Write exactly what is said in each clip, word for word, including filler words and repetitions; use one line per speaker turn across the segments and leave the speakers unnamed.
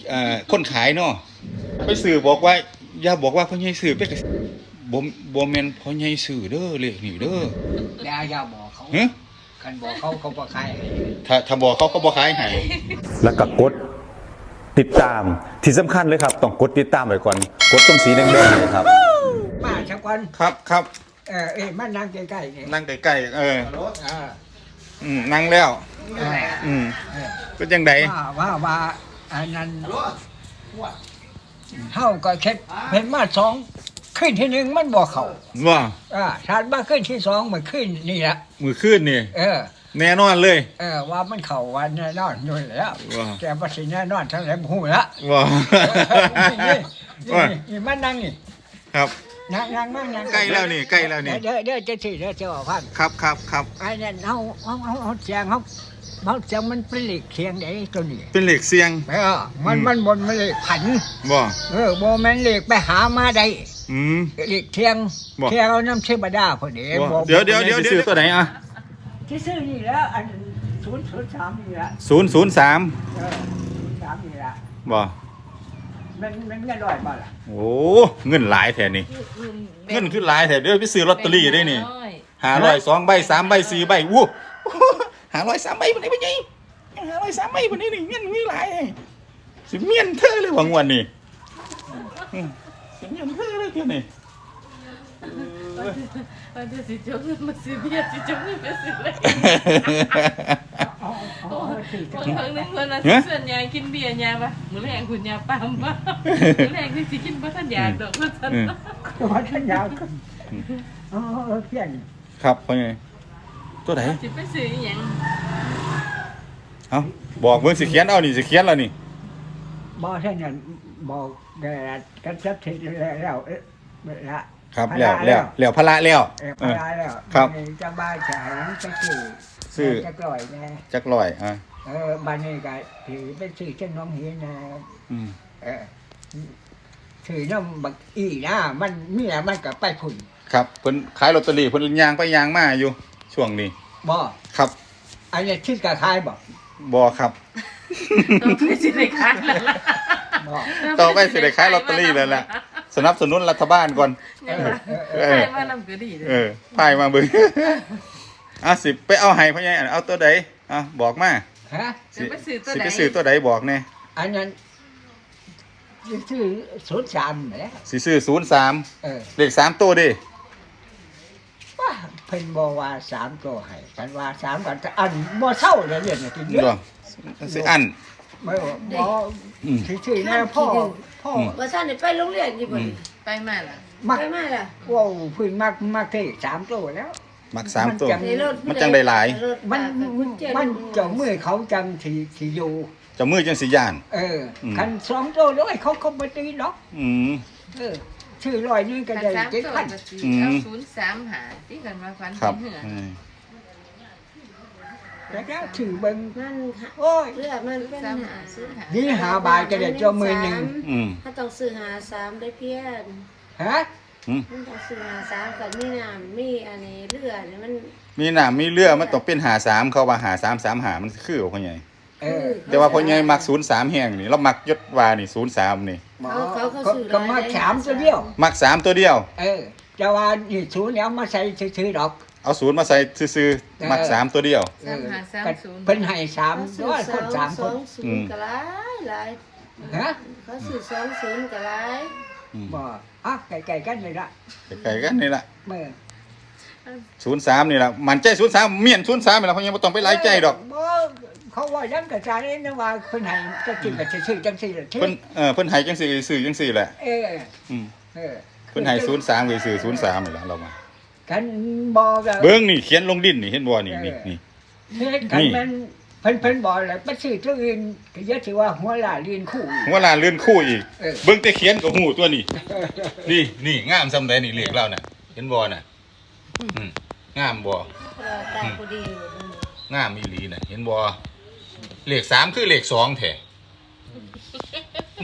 อ่าคนขายเนาะไปสื่อบอกว่าอย่าบอกว่าพ่อใหญ่สื่อไปบ่บ่แม่นพ่อใหญ่สื่อเด้อเลขนี่เด้อ
แล้วอย่าบอกเขา
ฮะ
คันบอกเขาเขาบ่ขายให้
ถ้าถ้าบอกเขาเขาบ่ขายให้
แล้วก็กดติดตามที่สำคัญเลยครับต้องกดติดตามไว้ก่อนกดตรงสีแดงๆเลยครับ
มาสักวัน
ครับครับ
เออเอ้ยมานั่งใกล้ๆนี่
นั่งใกล้ๆเออ
อ่า
อืมนั่งแล้วอืมเป็นจังได๋
ว่าว่าว่าอันนั้นเฮาก็เช็ดเห็นมาสองขึ้นที่หนึ่งมันบ่เข้า
ว่า
อ่าถัดมาขึ้นที่สองมันขึ้นนี่ละ
มื้อคืนนี่
เออ
แน่นอนเลย
เออว่ามันเข้าวันแน่นอนอยู่แล้วแต่บ่สิแน่นอนทั้งหลายบ่ฮู้ละ
ว่า
นี่มันนั่งนี่
ครับ
นั่งนั่งนั่งนั่ง
ใกล้แล้วนี่ใกล้แล้วนี่
เดี๋ยวเดี๋ยวจะสิเดี๋ยวจะบอกพัน
ครับครับครับ
ไอ้นั่นเฮาเฮาเฮาเสียงเฮาเฮาเสียงมันเป็นเหล็กเสียงไอ้ตัวนี้
เป็นเหล็กเสียง
เออมันมันบนมันเหล็กผัน
บ่
เออบ่แม่นเหล็กไปหามาได้
อืม
เหล็กเทียงเทียงเอาน้ำเชบดาพอดี
เดี๋ยวเดี๋ยวเดี๋ยวซื้อตัวไหนอ่ะ
ที่ซื้อนี่แล้วอันศูนย์ศูนย์สามนี่ละ
ศูนย์ศูนย์สาม
เออศูนย์สามนี่ละ
บ่
มันมันเงินร้อยบ่ล่ะ
โอ้เงินหลายแท้นี่เงินขึ้นหลายแท้เดี๋ยวไปซื้อลอตเตอรี่ได้นี่ห้าร้อยสองใบสามใบสี่ใบวู้ห้าร้อยสามใบบ่ได้บ่ใหญ่ห้าร้อยสามใบบ่ได้นี่เงินมีหลายสิเมียนเธอเลยว่างวดนี้สิเมียนเธอเลยเที่ยนี่
วันที่สิจงมาซื้อเบียร์สิจงมาซื้อเลยบางครั้งนึงคนน่ะส่วนใหญ่กินเบียร์ยาปะมื้อแรงคุณยาปามปะมื้อแรงคือสิกินบ่ทันอยากดอกว่าซั่น
บ่ทันอยากอ๋อเพี้ยน
ครับพ่อใหญ่ตัวไหน
สิไปซื้ออีหยัง
เอ้าบอกเบิ่งสิเขียนเอานี่สิเขียนแล้วนี่
บ่ใช่นั่นบอกได้กันสักทีแล้วเอ๊ะละ
ครับแล้วแล้วแล้วพระแล้ว
เออพระแล้ว
ครับ
จะบ้าจะให้ไปซื้อ
ซื้อ
จักร้อยแน่
จักร้อยอ่ะ
เออบ้านนี้ก็ถือไปซื้อเช่นน้องเฮียนะ
อืม
เออถือน้ำบักอีนะมันมีอะไรมันก็ไปผุ่น
ครับเพิ่นขายลอตเตอรี่เพิ่นย่างไปย่างมาอยู่ช่วงนี้
บ่
ครับ
อันนี้ชื่อกะขายบ่
บ่ครับ
ต่อไปสิได้ขายแล้วล่ะ
บ่ต่อไปสิได้ขายลอตเตอรี่แล้วล่ะสนับสนุนรัฐบาลก่อน
เออมานำก็ดี
เออพายมาเบิ่งอ่ะสิไปเอาให้พ่อใหญ่เอาตัวใดอ่ะบอกมา
ฮะ
สิไปซื้อตัว
ใดสิ
ไป
ซื้อตัวใดบอกแน่
อันนั้นซื้อศูนย์สามแหละ
สิซื้อศูนย์สาม
เออ
เลขสามตัวดิ
ว่าเพิ่นบ่ว่าสามตัวให้ฉันว่าสามก็อันบ่เท่าเลยเนี่ยกินเยอะ
สิอัน
บ่บ่ซื่อๆนะพ่อพ่อ
ว่าซั่นได้ไปโรงเรียนอยู่บ่
ไปมาล่ะ
ไปมาล่ะ
ว้าวเพิ่นมักมักเท่สามตัวแล้ว
มักสามตัวมันจังได้หลาย
มันมันเจ้ามือเขาจังสิสิอยู่
เจ้ามือจังสิย่าน
เออคันสองตัวด้วยเขาเขาบ่ตีหรอก
อืม
เออชื่อร้อยนึงก็ได้เจ็ดพัน
เอาศูนย์สามหาที่กันมาฟันเป็นเหือ
แล้วก็ถือเบิ่ง
มัน
โอ้ย
เลือมันเป็นหา
นี่หาบาทก็ได้เจ้ามือนึง
อืม
ถ้าต้องซื้อหาสามได้เพี้ยน
ฮะ
มันต้องซื้อหาสามก็มีน้ำมีอันนี้เลือดมัน
มีน้ำมีเลือดมันต้องเป็นหาสามเขาว่าหาสาม สามหามันคือพ่อใหญ่
เออ
แต่ว่าพ่อใหญ่มักศูนย์สามแห้งนี่เรามักยศวานี่ศูนย์สามนี่
เขาเขาซื้อ
ก็มักสามตัวเดียว
มักสามตัวเดียว
เออจะว่านี่ศูนย์แล้วมาใส่ซื้อๆดอก
เอาศูนย์มาใส่ซื่อๆมักสามตัวเดียว
สามหาสามศูนย์
เพิ่นให้สามด้วยคนสามคน
อืมก็หลายหลาย
ฮะ
เขาซื้อสองศูนย์ก็หลาย
บ่อ่ะไกลๆกันเลยล่ะ
ไกลๆกันนี่ล่ะ
เมื่อ
ศูนย์สามนี่ล่ะมันใจศูนย์สามเมียนศูนย์สามนี่ล่ะพ่อใหญ่บ่ต้องไปหลายใจดอก
บ่เขาว่ายังกระจายนี่นะว่าเพิ่นให้จะกินก็ซื่อๆจังซี่ล่ะ
เพิ่นเออเพิ่นให้จังซี่ซื่อจังซี่แหละ
เออ
อืม
เออ
เพิ่นให้ศูนย์สามก็ซื่อศูนย์สามนี่ล่ะเรามา
กันบ่ก็
เบิ่งนี่เขียนลงดินนี่เห็นบ่นี่นี่นี่
เฮ็ดกันมันเพิ่นเพิ่นบ่แล้วไปซื้อตัวอื่นก็อย่าสิว่าหัวลาเรียนคู่
หัวลาเรียนคู่อีกเบิ่งแต่เขียนก็ฮู้ตัวนี้นี่นี่งามซำใดนี่เลขเราน่ะเห็นบ่น่ะอืมงามบ่
ตาพอดี
งามอีหลีน่ะเห็นบ่เลขสามคือเลขสองแท้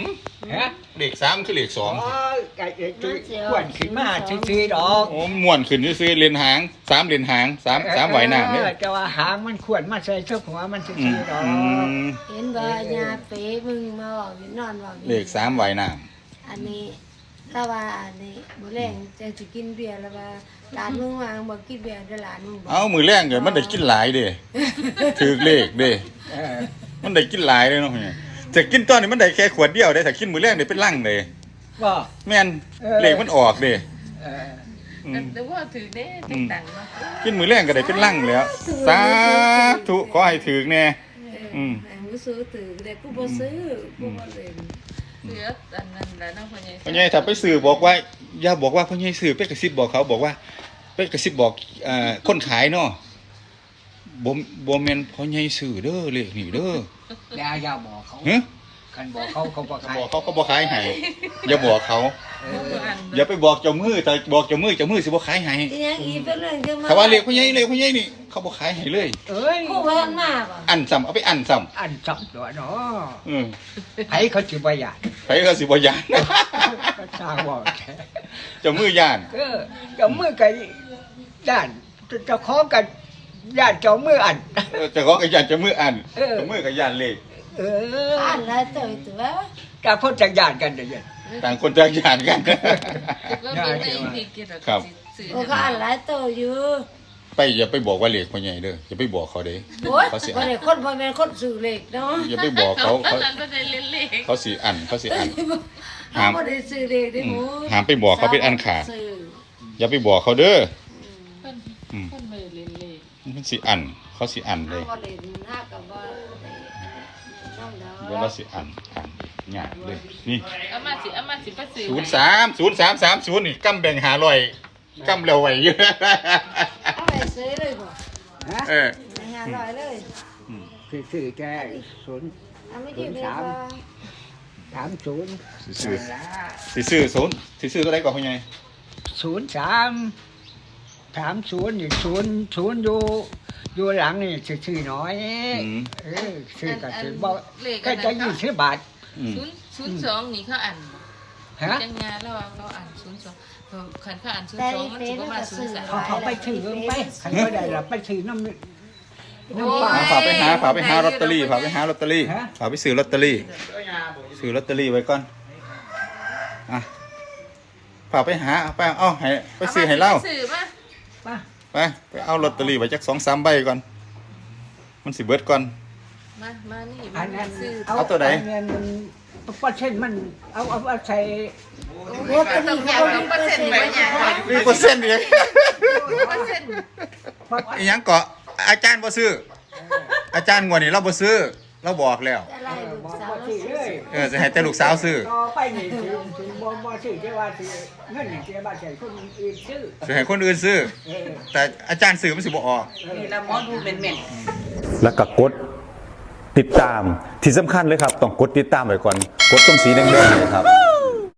ฮะ
เลขสามคือเลขสอง
อ๋อไก่จุยขวนขึ้นมาซื่อๆดอก
โอ้ม่วนขึ้นซื่อๆเลนหางสามเลนหางสามสามไหวหน้าเนี่ย
เออแต่ว่าหางมันขวนมาใส่เสื้อหัวมันซื่
อืม
อๆดอก
อืม
เห็นบ่ยาเป๊มึงมาบอกอยู่นอนบอกอยู่
เลขสามไหวหน้า
อันนี้ถ้าว่าอันนี้บ่แรงจะสิกินเบียร์แล้วว่าหลานมึงวางบ่กินเบียร์เด้อหลานมึงบอก
เอามือแรงเกิดมันได้กินหลายเด้ถือเลขเด้
เออ
มันได้กินหลายเลยเนาะเนี่ยแต่กินตอนนี้มันได้แค่ขวดเดียวได้แต่กินมือแรงได้เป็นลังเลย
บ่
แม่นเลขมันออกเด้
เออ
อืม
แต่ว่าถือเด้ติดตังค์เนาะ
กินมือแรงก็ได้เป็นลังแล้วสาธุขอให้ถือแน่ อืม
แม่งบ่ซื้อตื่นแต่กูบ่ซื้อกูบ่เล่น
เหลืออันนั้นแล้วเนาะพ่อใหญ่
พ่อใหญ่ถ้าไปสื่อบอกว่าอย่าบอกว่าพ่อใหญ่สื่อไปกระซิบบอกเขาบอกว่าไปกระซิบบอกเอ่อคนขายเนาะบ่บ่แม่นพ่อใหญ่สื่อเด้อเลขนี่เด้อ
อย่าอย่าบอกเขา
ฮะ
คันบอกเขาเขาบอก
ถ้า
ใคร
บอกเขาเขาบ่ขายให้อย่าบอกเขา
เอ
บ่
อ
อัน
อย่าไปบอกเจ้ามือแต่บอกเจ้ามือเจ้ามือสิบ่ขายให้
อีหยังอีเป็นเรื่องจังมา
ถ้าว่าเลขพ่อใหญ่เลขพ่อใหญ่นี่เขาบ่ขายให้เลย
เอ้ย
กูเพิ่นมาบ่
อันซ้ำเอาไปอันซ้ำ
อันจับตัวเนาะ
อืม
ไผเขาสิบ่อยาก
ไผก็สิบ่ย่าน
ก็ทราบว่าแท้
เจ้ามือย่าน
เออเจ้ามือกับย่านเจ้าของกันย่านเจ้ามืออัน
เออเจ้าของก็ย่านเจ้ามืออัน
เออ
เจ้ามือก็ย่านเลข
เออ
อ่านแล้วตัวตัว
กาพ้นจากย่านกันเดี๋ยวนี้
ต่างคนต่างย่านกัน
ก็เป็นไอ้พี่เกี่ยวกับ
ครับ
สื่อ
โอ้ก็อ่านหลายตัวอยู่
ไปอย่าไปบอกว่าเลขพ่อใหญ่เด้ออย่าไปบอกเขาเด้
โอ้ย
เขาสิ
บ่
อัน
ได้คนบ่แม่นคนสื่อเลขเนาะ
อย่าไปบอกเขา
เขา
เขา
ก็ได้เล่นเลข
เขาสิอันเขาสิอัน
เฮาบ่ได้สื่อเลขเด้หมู
อืมห้ามไปบอกเขาเป็นอันขาด
สื่อ
อย่าไปบอกเขาเด้อ
เพิ่น
อืม
เพิ่นไม่ได้เล่นเลข
มันสิอันเขาสิอันเล
เฮาย บ่ได้หากับบ่ได้น้องดอก
เดี๋ยวเราสิอันอันยากเลยนี่
เอามาสิเอามาสิไปซื้อ
ศูนย์สามศูนย์สามสามศูนย์นี่กำแบ่งหาลอยกำแล้วไว้อยู่
เอาไปซื้อเลยบ่
ฮะ
เออ
ไปหาร้อยเลย
คือสื่อแก่ศูนย์
เอาไม่ดีเลยบ่
สามศูนย์
สิซื้อสิซื้อศูนย์สิซื้อตัวใดก่อนพ่อใหญ่
ศูนย์สามสามศูนย์นี่ศูนย์ศูนย์อยู่อยู่หลังนี่ชื่อๆน้อยเออชื่อก็ชื่อบ่ก็จะยี่สิบบาท
อืม
ศูนย์ศูนย์สองนี่เขาอ่าน
ฮะ
จังงานแล้วว่าเขาอ่านศูนย์สองเขาคันเขาอ่านศูน
แต่
ย์สอง
อี
มัน
เฟ
สิ
ซ
บ่
มัน
มา
ก็
ศูน
ซื้อ
ย์สาม
เขาเขาไปถือไปใครก็ได้ละไปถือน้ำ
โอ้ย
ฝากไปหาฝากไปหาลอตเตอรี่ฝากไปหาลอตเตอรี่
ฮะ
ฝากไปซื้อลอตเตอรี่ซื้อลอตเตอรี่ไว้ก่อนอ่ะฝากไปหาไปเอาให้ไปซื้อให้เล่า
ซื้อมา
ป่ะ
ไปไปเอาลอตเตอรี่ไว้จักสองสามใบก่อนมันสิเบิดก่อน
มามานี่
อันนั้น
ซื้อ
เอาตัวไหน
อันนั้นมันเปอร์เซ็นต์มันเอาเอาเอาใส่
โอ้ตัวนี้เขาบ่มีเปอร์เซ็นต์ไว้หยัง
มีเปอร์เซ็นต์อีก
เปอร์เซ็นต์
อีหยังเกาะอาจารย์บ่ซื้อ อาจารย์งวดนี้เราบ่ซื้อ เราบอกแล้ว
อะไรลูก
บอก
สาว
ว่าสิเลย
เออจะให้แต่ลูกสาวซื้อ
ต่อไปนี่ถึงถึงบ่บ่ซื้อที่ว่าสิเงินนี่สิว่าใส่คนอื่นซื้อ
จะให้คนอื่นซื้อ
เออ
แต่อาจารย์ซื้อมันสิบ่ออก
นี่ละหมอดูแม่น
แล้วก็กดติดตามที่สำคัญเลยครับ ต้องกดติดตามไว้ก่อน กดตรงสีแดงๆเนยครับ